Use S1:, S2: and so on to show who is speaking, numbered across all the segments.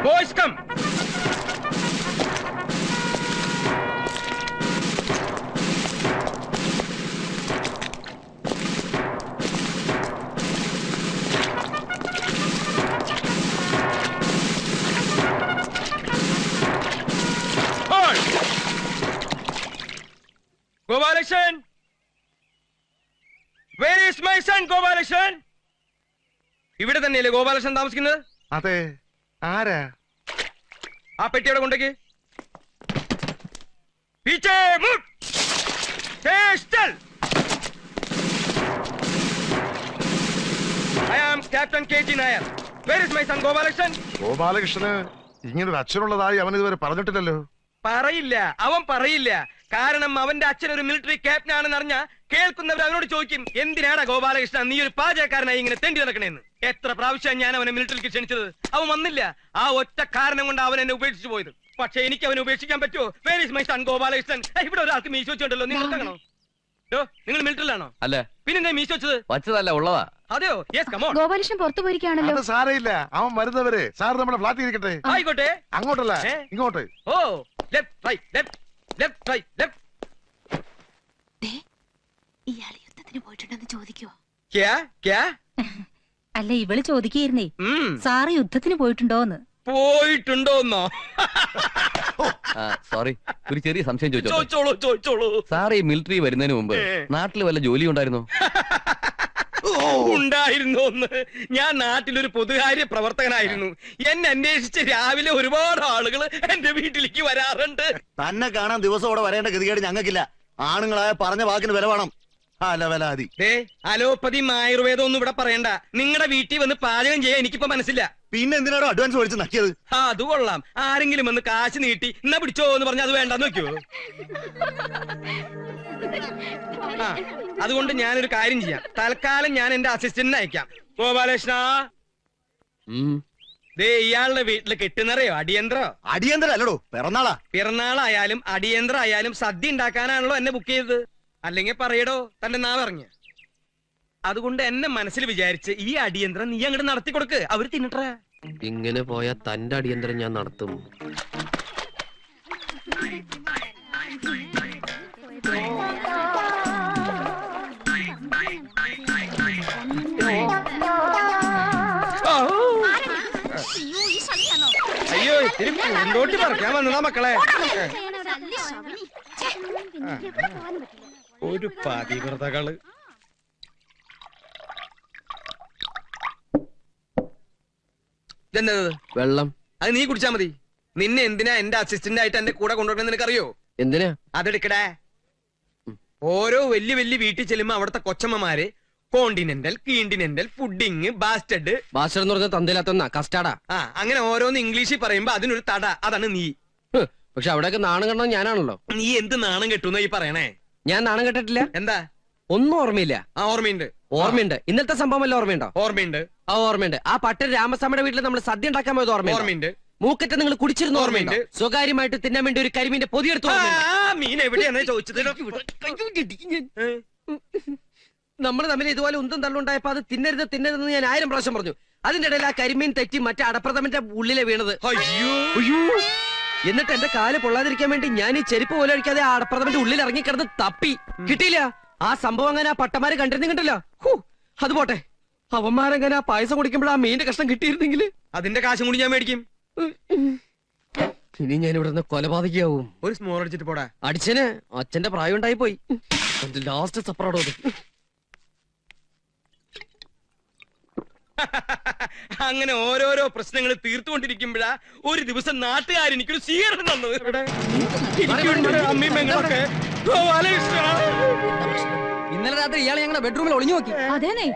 S1: Boys, come. Hold. Gopalakrishnan. Where is my son, Gopalakrishnan? ഇവിടെ തന്നെയല്ലേ ഗോപാലകൃഷ്ണൻ താമസിക്കുന്നത്?
S2: അതെ. ആരാ?
S1: ആ പെട്ടിയുടെ കൊണ്ടേക്ക്. പീച്ചേ മുട്ട്. Stay still. I am Captain KG Nair. Where is my son Gopalakrishnan?
S2: ഗോപാലകൃഷ്ണന് ഇങ്ങനൊരു അച്ഛനുള്ളതായി അവൻ ഇതുവരെ പറഞ്ഞിട്ടില്ലല്ലോ.
S1: പറയില്ല, അവൻ പറയില്ല. കാരണം അവന്റെ അച്ഛൻ ഒരു മിലിറ്ററി ക്യാപ്റ്റൻ ആണെന്ന് അറിഞ്ഞ കേൾക്കുന്നവർ അവനോട് ചോദിക്കും, എന്തിനാടാ ഗോപാലകൃഷ്ണ നീ ഒരു പാചകക്കാരനായി ഇങ്ങനെ തെണ്ടി നടക്കണേന്ന്. എത്ര പ്രാവശ്യം ഞാൻ അവനെ മിലിറ്ററിക്ക് ക്ഷണിച്ചത്, അവൻ വന്നില്ല. ആ ഒറ്റ കാരണം കൊണ്ട് അവൻ എന്നെ ഉപേക്ഷിച്ചു പോയത്. പക്ഷെ എനിക്ക് അവനെ ഉപേക്ഷിക്കാൻ പറ്റുമോ? Where is my son Gopalakrishnan? ഇവിടെ ഒരാൾക്ക് മീശ വെച്ചിട്ടുണ്ടല്ലോ, നിങ്ങൾ കാണോ? നിങ്ങൾ മിലിറ്ററിലാണോ?
S3: അല്ല.
S1: പിന്നെ മീശ വെച്ചത്?
S3: വച്ചതല്ല, ഉള്ളതാ.
S1: അതെയോ? Yes, come on.
S4: ഗോപാലകൃഷ്ണൻ പുറത്തു പോയിരിക്കുകയാണല്ലോ.
S2: അത് സാരയില്ല, അവൻ വരുന്നവരെ സാർ നമ്മുടെ ഫ്ലാറ്റിൽ ഇരിക്കട്ടെ.
S1: ആയിക്കോട്ടെ.
S2: അങ്ങോട്ടല്ല, ഇങ്ങോട്ട്.
S1: ഓ, left right left left right left.
S4: ഇയാള് യുദ്ധത്തിന് പോയിട്ടുണ്ടെന്ന് ചോദിക്കുവോ?
S5: അല്ല, ഇവള് ചോദിക്കുകയായിരുന്നേ, സാറ് യുദ്ധത്തിന് പോയിട്ടുണ്ടോന്ന്.
S1: പോയിട്ടുണ്ടോന്നോ?
S3: സോറി, ഒരു ചെറിയ സംശയം
S1: ചോദിച്ചോളൂ.
S3: സാർ ഈ മിലിറ്ററി വരുന്നതിന് മുമ്പ് നാട്ടിൽ വല്ല ജോലി ഉണ്ടായിരുന്നോ?
S1: ഉണ്ടായിരുന്നോന്ന്? ഞാൻ നാട്ടിലൊരു പൊതുകാര്യ പ്രവർത്തകനായിരുന്നു. എന്നെ അന്വേഷിച്ച് രാവിലെ ഒരുപാട് ആളുകൾ എന്റെ വീട്ടിലേക്ക് വരാറുണ്ട്.
S6: തന്നെ കാണാൻ ദിവസം അവിടെ വരേണ്ട ഗതികേട് ഞങ്ങൾക്കില്ല. ആണുങ്ങളായ പറഞ്ഞ വാക്കിന് വില വേണം.
S1: അലോപ്പതിയും ആയുർവേദം ഒന്നും ഇവിടെ പറയണ്ട. നിങ്ങളുടെ വീട്ടിൽ വന്ന് പാചകം ചെയ്യാൻ എനിക്കിപ്പോ മനസ്സില്ല.
S6: പിന്നെ എന്തിനാണോ അഡ്വാൻസ് മേടിച്ച് നക്കിയത്?
S1: അത് കൊള്ളാം. ആരെങ്കിലും വന്ന് കാശ് നീട്ടി എന്നാ പിടിച്ചോ എന്ന് പറഞ്ഞാൽ അത് വേണ്ടെന്ന് വെക്കോ? അതുകൊണ്ട് ഞാനൊരു കാര്യം ചെയ്യാം. തൽക്കാലം ഞാൻ എന്റെ അസിസ്റ്റന്റിനെ അയക്കാം. ഗോപാലകൃഷ്ണ, ദേ ഇയാളുടെ വീട്ടില് കിട്ടുന്നറിയോ അടിയന്തരോ?
S6: അടിയന്തരം അല്ലടോ, പിറന്നാളാ.
S1: പിറന്നാളായാലും അടിയന്തരം ആയാലും സദ്യ ഉണ്ടാക്കാനാണല്ലോ എന്നെ ബുക്ക് ചെയ്തത്. അല്ലെങ്കിൽ പറയടോ തന്റെ നാ പറഞ്ഞ. അതുകൊണ്ട് എന്നെ മനസ്സിൽ വിചാരിച്ച് ഈ അടിയന്തരം നീ അങ്ങോട്ട് നടത്തി കൊടുക്ക്, അവര് തിന്നിട്ടേ.
S7: ഇങ്ങനെ പോയാ തന്റെ അടിയന്തരം ഞാൻ നടത്തും.
S1: അയ്യോ, ഇത്തിരി പൂന്തോട്ടി പറിക്കാൻ വന്നതാ മക്കളെ. ഒരു പതിവ്രതകള്. ഇതെന്നത്?
S7: വെള്ളം.
S1: അത് നീ കുടിച്ചാ മതി. നിന്നെ എന്തിനാ എന്റെ അസിസ്റ്റന്റ് ആയിട്ട് എന്റെ കൂടെ കൊണ്ടുവരണം നിനക്കറിയോ?
S7: എന്തിനാ?
S1: അതെടുക്കടേ. ഓരോ വലിയ വലിയ വീട്ടിൽ ചെല്ലുമ്പോ അവിടുത്തെ കൊച്ചമ്മമാര് continental, continental, pudding, bastard.
S7: Bastard എന്ന് പറഞ്ഞ തന്തയിലാത്ത കസ്റ്റാർഡാ.
S1: അങ്ങനെ ഓരോന്ന് ഇംഗ്ലീഷിൽ പറയുമ്പോ അതിനൊരു തട. അതാണ് നീ.
S7: പക്ഷെ അവിടെയൊക്കെ നാണം കണ്ടത് ഞാനാണല്ലോ.
S1: നീ എന്ത് നാണം കെട്ടുന്ന ഈ പറയണേ?
S7: ഞാൻ നാണം കെട്ടിട്ടില്ല.
S1: എന്താ?
S7: ഒന്നും ഓർമ്മയില്ല.
S1: ഓർമ്മയുണ്ട്.
S7: ഓർമ്മയുണ്ട്. ഇന്നത്തെ സംഭവം വല്ല ഓർമ്മയുണ്ടോ?
S1: ഓർമ്മയുണ്ട്.
S7: ഓർമ്മയുണ്ട്. ആ പട്ടൻ രാമസ്വാമിയുടെ വീട്ടിൽ നമ്മൾ സദ്യ ഉണ്ടാക്കാൻ പോയത്
S1: ഓർമ്മയുണ്ട്.
S7: മൂക്കറ്റ നിങ്ങൾ കുടിച്ചിരുന്ന ഓർമ്മയുണ്ട്. സ്വകാര്യമായിട്ട് തിന്നാൻ വേണ്ടി ഒരു കരിമീന്റെ പൊതിയെടുത്ത്
S1: മീൻ എവിടെയാണ് ചോദിച്ചത്?
S7: നമ്മൾ തമ്മിൽ ഇതുപോലെ ഉന്തം തള്ളുണ്ടായപ്പോ അത് തിന്നരുതെന്ന് ഞാൻ 1000 പ്രാവശ്യം പറഞ്ഞു. അതിന്റെ ഇടയിൽ ആ കരിമീൻ തെറ്റി മറ്റേ അടപ്രഥമന്റെ ഉള്ളിലെ വീണത്.
S1: അയ്യോ.
S7: എന്നിട്ട് എന്റെ കാല് പൊള്ളാതിരിക്കാൻ വേണ്ടി ഞാൻ ഈ ചെരുപ്പ് പോലെ അടിക്കാതെ ആ അടപ്രഥമന്റെ ഉള്ളിൽ ഇറങ്ങിക്കിടന്ന് തപ്പി കിട്ടിയില്ല. ആ സംഭവം അങ്ങനെ ആ പട്ടമാര് കണ്ടിരുന്നില്ല. അത് പോട്ടെ, അവന്മാരങ്ങനെ ആ പായസം കുടിക്കുമ്പോൾ ആ മീന്റെ കഷ്ണം കിട്ടിയിരുന്നെങ്കിൽ
S1: അതിന്റെ കാശും കൂടി ഞാൻ മേടിക്കും.
S7: ഇനി ഞാൻ ഇവിടെ നിന്ന് കൊലപാതകയാവും.
S1: ഒരു സ്മോൾ അടിച്ചിട്ട് പോടാ.
S7: അടിച്ചന് അച്ഛന്റെ പ്രായം ഉണ്ടായി പോയി. ലാസ്റ്റ് സപ്പറോടോ.
S1: അങ്ങനെ ഓരോരോ പ്രശ്നങ്ങൾ തീർത്തുകൊണ്ടിരിക്കുമ്പോഴാ ഒരു ദിവസം നാട്ടുകാർ എനിക്കൊരു സ്വീകരണം തന്നത്. അമ്മീമ്മങ്ങളൊക്കെ.
S7: ഇന്നലെ രാത്രി ഇയാളെ ഞങ്ങളുടെ ബെഡ്റൂമിൽ ഒളിഞ്ഞു നോക്കി.
S5: അതേനെ.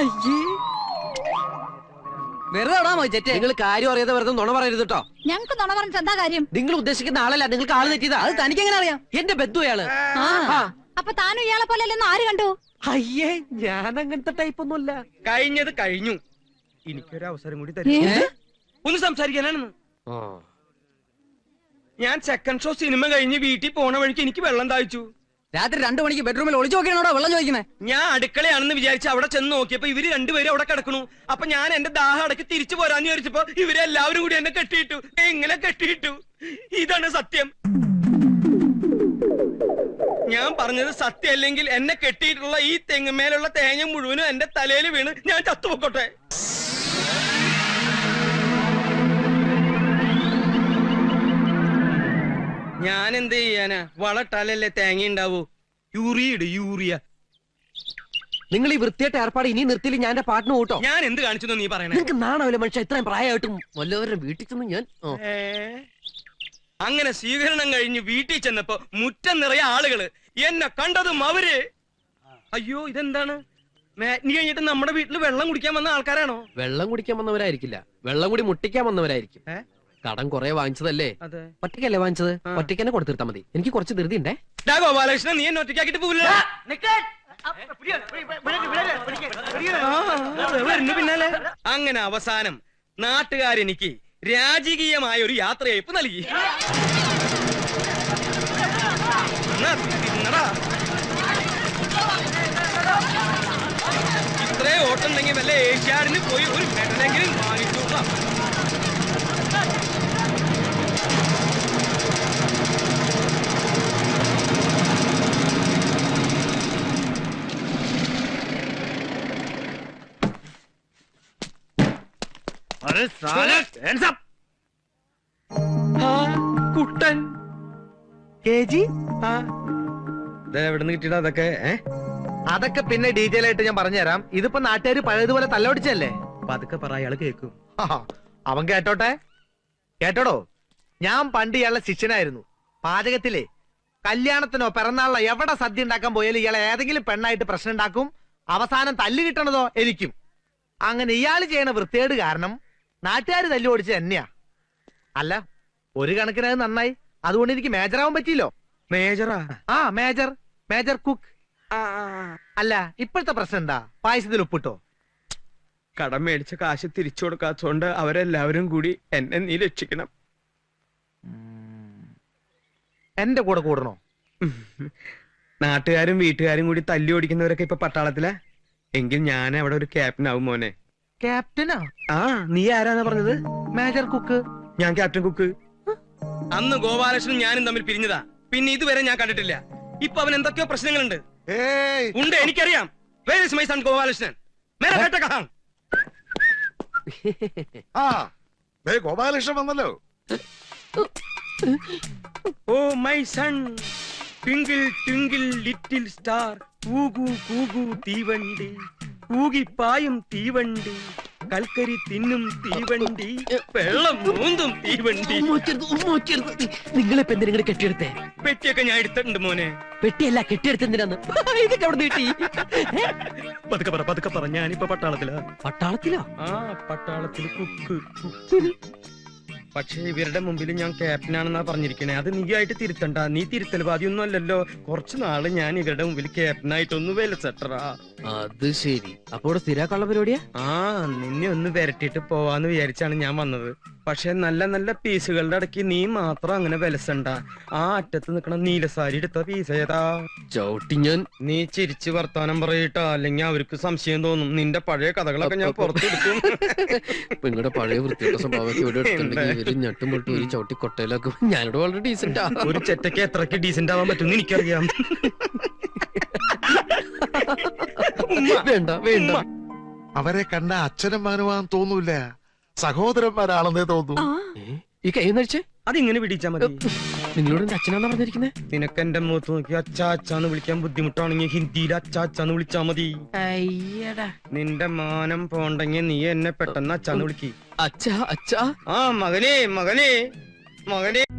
S7: വെറുതെ നിങ്ങൾ കാര്യം അറിയാതെ വെറുതെ നുണ പറയരുത് കേട്ടോ.
S5: ഞങ്ങക്ക് നുണ പറഞ്ഞിട്ട് എന്താ കാര്യം?
S7: നിങ്ങൾ ഉദ്ദേശിക്കുന്ന ആളല്ല, നിങ്ങൾക്ക് ആള് തെറ്റിയതാ. അത് തനിക്ക് എങ്ങനെ അറിയാം? എന്റെ ബന്ധു അയാള്.
S5: അപ്പൊ താനും ഇയാളെ പോലെ അല്ലെന്ന് ആര് കണ്ടു?
S7: അയ്യേ, ഞാൻ അങ്ങനത്തെ ടൈപ്പ് ഒന്നുമല്ല.
S1: കഴിഞ്ഞത് കഴിഞ്ഞു. എനിക്കൊരു അവസരം കൂടി തരും ഒന്ന് സംസാരിക്കാനാണെന്ന്. ഞാൻ സെക്കൻഡ് ഷോ സിനിമ കഴിഞ്ഞ് വീട്ടിൽ പോണ വഴിക്ക് എനിക്ക് വെള്ളം താഴ്ച്ചു.
S7: രാത്രി 2 മണിക്ക് ബെഡ്റൂമിൽ ഒളിച്ചു നോക്കിയാണോ വെള്ളം ചോദിക്കുന്നത്?
S1: ഞാൻ അടുക്കളയാണെന്ന് വിചാരിച്ച് അവിടെ ചെന്ന് നോക്കിയപ്പോ ഇവര് രണ്ടുപേരും അവിടെ കിടക്കണു. അപ്പൊ ഞാൻ എന്റെ ദാഹം അടക്കി തിരിച്ചു പോരാന്ന് വിചാരിച്ചപ്പോ ഇവരെല്ലാവരും കൂടി എന്നെ കെട്ടിയിട്ടു. എങ്ങനെ കെട്ടിയിട്ടു? ഇതാണ് സത്യം. ഞാൻ പറഞ്ഞത് സത്യം അല്ലെങ്കിൽ എന്നെ കെട്ടിയിട്ടുള്ള ഈ തെങ്ങുമേലുള്ള തേങ്ങ മുഴുവനും എന്റെ തലയിൽ വീണ് ഞാൻ ചത്തുപൊക്കോട്ടെ. ഞാൻ എന്ത് ചെയ്യാനാ? വളട്ടാലല്ലേ തേങ്ങ ഉണ്ടാവൂ. യൂറിയ.
S7: നിങ്ങൾ ഈ വൃത്തിയായിട്ട് ഏർപ്പാട് ഇനി നിർത്തിയില്ല ഞാൻ എന്റെ പാട്ടിന് കൂട്ടോ.
S1: ഞാൻ എന്ത് കാണിച്ചു നീ പറയണേ?
S7: നിങ്ങൾക്ക് നാണാവില്ല മനുഷ്യ, ഇത്രയും പ്രായമായിട്ടും വല്ലവരുടെ വീട്ടിൽ ചെന്ന് ഞാൻ
S1: അങ്ങനെ സ്വീകരണം കഴിഞ്ഞ് വീട്ടിൽ ചെന്നപ്പോ മുറ്റം നിറയെ ആളുകള്. എന്നെ കണ്ടതും അവര് അയ്യോ ഇതെന്താണ്? നീ കഴിഞ്ഞിട്ട് നമ്മുടെ വീട്ടിൽ വെള്ളം കുടിക്കാൻ വന്ന ആൾക്കാരാണോ?
S7: വെള്ളം കുടിക്കാൻ വന്നവരായിരിക്കില്ല, വെള്ളം കൂടി മുട്ടിക്കാൻ വന്നവരായിരിക്കും. കടം കുറെ വാങ്ങിച്ചതല്ലേ? ഒറ്റയ്ക്കല്ലേ വാങ്ങിച്ചത്? ഒറ്റയ്ക്ക് തന്നെ കൊടുത്തിരുത്താ മതി. എനിക്ക് കുറച്ച് ധൃതി ഉണ്ടേ.
S1: ഗോപാലകൃഷ്ണൻ, നീ എന്നെ ഒറ്റയ്ക്കാക്കിട്ട് പോവില്ല. പിന്നാലെ അങ്ങനെ അവസാനം നാട്ടുകാരെനിക്ക് രാജകീയമായ ഒരു യാത്രയയപ്പ് നൽകി. ഇത്രേ ഓട്ടുണ്ടെങ്കിൽ വല്ല ഏഷ്യാഡിന് പോയി ഒരു മെഡലെങ്കിലും വാങ്ങിച്ചു. കുട്ടൻ എവിടുന്ന് കിട്ടിയിടാ അതൊക്കെ?
S8: അതൊക്കെ പിന്നെ ഡീറ്റെയിൽ ആയിട്ട് ഞാൻ പറഞ്ഞുതരാം. ഇതിപ്പോ നാട്ടുകാർ പഴയതുപോലെ തല്ലൊടിച്ചല്ലേ?
S1: പതുക്കെ പറ, അയാള് കേൾക്കും.
S8: അവൻ കേട്ടോട്ടെ. കേട്ടോടോ, ഞാൻ പണ്ട് ഇയാളുടെ ശിഷ്യനായിരുന്നു. പാചകത്തിലെ കല്യാണത്തിനോ പിറന്നാളിനോ എവിടെ സദ്യ ഉണ്ടാക്കാൻ പോയാലും ഇയാളെ ഏതെങ്കിലും പെണ്ണായിട്ട് പ്രശ്നം ഉണ്ടാക്കും. അവസാനം തല്ല് കിട്ടണതോ എനിക്കും. അങ്ങനെ ഇയാൾ ചെയ്യണ വൃത്തികേട് കാരണം നാട്ടുകാർ തല്ലു ഓടിച്ചത് തന്നെയാ. അല്ല, ഒരു കണക്കിന് അത് നന്നായി. അതുകൊണ്ട് എനിക്ക് മേജറാവാൻ പറ്റിയില്ലോ.
S1: മേജറാ?
S8: ആ, മേജർ കുക്ക്. അല്ല, ഇപ്പോഴത്തെ പ്രശ്നം എന്താ? പായസത്തിൽ ഉപ്പിട്ടോ?
S1: കടം മേടിച്ച കാശ് തിരിച്ചു കൊടുക്കാത്തോണ്ട് അവരെല്ലാവരും കൂടി എന്നെ നീ രക്ഷിക്കണം.
S8: എന്റെ കൂടെ കൂടണോ?
S1: നാട്ടുകാരും വീട്ടുകാരും കൂടി തല്ലി ഓടിക്കുന്നവരൊക്കെ ഇപ്പൊ പട്ടാളത്തിലാ. എങ്കിൽ ഞാൻ അവിടെ ഒരു ക്യാപ്റ്റൻ ആവും മോനെ.
S8: ക്യാപ്റ്റനാ?
S1: ആ, നീ ആരാന്നാ പറഞ്ഞത്?
S8: Major cook.
S1: ഞാൻ ക്യാപ്റ്റൻ കുക്ക്. അന്ന് ഗോപാലകൃഷ്ണനും ഞാനും തമ്മിൽ പിരിഞ്ഞതാ. പിന്നെ ഇതുവരെ ഞാൻ കണ്ടിട്ടില്ല. ഇപ്പൊ അവൻ എന്തൊക്കെയോ പ്രശ്നങ്ങളുണ്ട്. ഉണ്ട്, എനിക്കറിയാം. Where is my son Gopalakrishnan? മേരെ ബേട്ട കഹാം?
S2: ആ ദേ ഗോപാലകൃഷ്ണൻ വന്നല്ലോ.
S1: Oh my son, twinkle twinkle little star, കൂകു കൂകു തീവണ്ടി, കൂകിപ്പായും തീവണ്ടി, കൽക്കരി തിന്നും തീവണ്ടി, വെള്ളം മൂന്നും തീവണ്ടി.
S7: നിങ്ങളിപ്പോ എന്തിനാ കെട്ടിയെടുത്തേ?
S1: പെട്ടിയൊക്കെ ഞാൻ എടുത്തിട്ടുണ്ട് മോനെ.
S7: പെട്ടിയല്ല, കെട്ടിയെടുത്തെന്തിനാന്ന്? ഇതൊക്കെ അവിടെ നീട്ടി.
S1: പതുക്കെ പറ, ഞാനിപ്പോ പട്ടാളത്തിലാ.
S7: പട്ടാളത്തിലോ?
S1: ആ, പട്ടാളത്തില് കുക്ക്. പക്ഷെ ഇവരുടെ മുമ്പിൽ ഞാൻ ക്യാപ്റ്റനാണെന്നാ പറഞ്ഞിരിക്കണേ. അത് നീ ആയിട്ട് തിരുത്തണ്ട. നീ തിരുത്തൽവാദിയൊന്നും അല്ലല്ലോ. കുറച്ചു നാള് ഞാൻ ഇവരുടെ മുമ്പിൽ ക്യാപ്റ്റനായിട്ടൊന്ന് വിലസെട്ടറാ.
S7: അത് ശരി. അപ്പൊ ഇവിടെ സ്ഥിരാക്കാനുള്ള പരിപാടിയാ?
S1: ആ, നിന്നെ ഒന്ന് വരട്ടിട്ട് പോവാന്ന് വിചാരിച്ചാണ് ഞാൻ വന്നത്. പക്ഷെ നല്ല നല്ല പീസുകളുടെ ഇടയ്ക്ക് നീ മാത്രം അങ്ങനെ വിലസണ്ട. ആ അറ്റത്ത് നിക്കണ നീലസാരി എടുത്ത പീസ് ഏതാ?
S7: ചവിട്ടി ഞാൻ.
S1: നീ ചിരിച്ച് വർത്താനം പറയട്ടാ, അല്ലെങ്കിൽ അവർക്ക് സംശയം തോന്നും. നിന്റെ പഴയ കഥകളൊക്കെ ഞാൻ പുറത്തെടുക്കും.
S7: നിങ്ങളുടെ പഴയ വൃത്തിയുടെ സ്വഭാവമൊക്കെ ഇവിടെ എടുത്തിട്ടുണ്ടെങ്കിൽ ഇവര് ഞെട്ടും പൊട്ടും ഒരു ചവിട്ടി കൊട്ടയിലാക്കും. ഞാനിവിടെ വളരെ ഡീസന്റാ.
S1: ഒരു ചെറ്റയ്ക്ക് എത്രക്ക് ഡീസന്റ് ആവാൻ പറ്റും എനിക്കറിയാം.
S7: വേണ്ട വേണ്ട.
S2: അവരെ കണ്ട അച്ഛനും മകനുമാന്ന് തോന്നൂല, സഹോദരന്മാരാണെന്നേ തോന്നൂ.
S7: ഈ കൈ നടിച്ചേ
S1: അതിങ്ങനെ പിടിച്ചാ മതി.
S7: നിങ്ങളോട് എന്റെ അച്ഛനാന്നാ പറഞ്ഞിരിക്കുന്നേ?
S1: നിനക്ക് എന്റെ മുഖത്ത് നോക്കി അച്ചാച്ചാന്ന് വിളിക്കാൻ ബുദ്ധിമുട്ടാണെങ്കിൽ ഹിന്ദിയിൽ അച്ചാച്ചാന്ന് വിളിച്ചാ മതി.
S7: അയ്യടാ,
S1: നിന്റെ മാനം പോണ്ടെങ്കിൽ നീ എന്നെ പെട്ടെന്ന് അച്ചാന്ന് വിളിക്ക്.
S7: അച്ഛാ അച്ഛാ.
S1: ആ, മകനെ.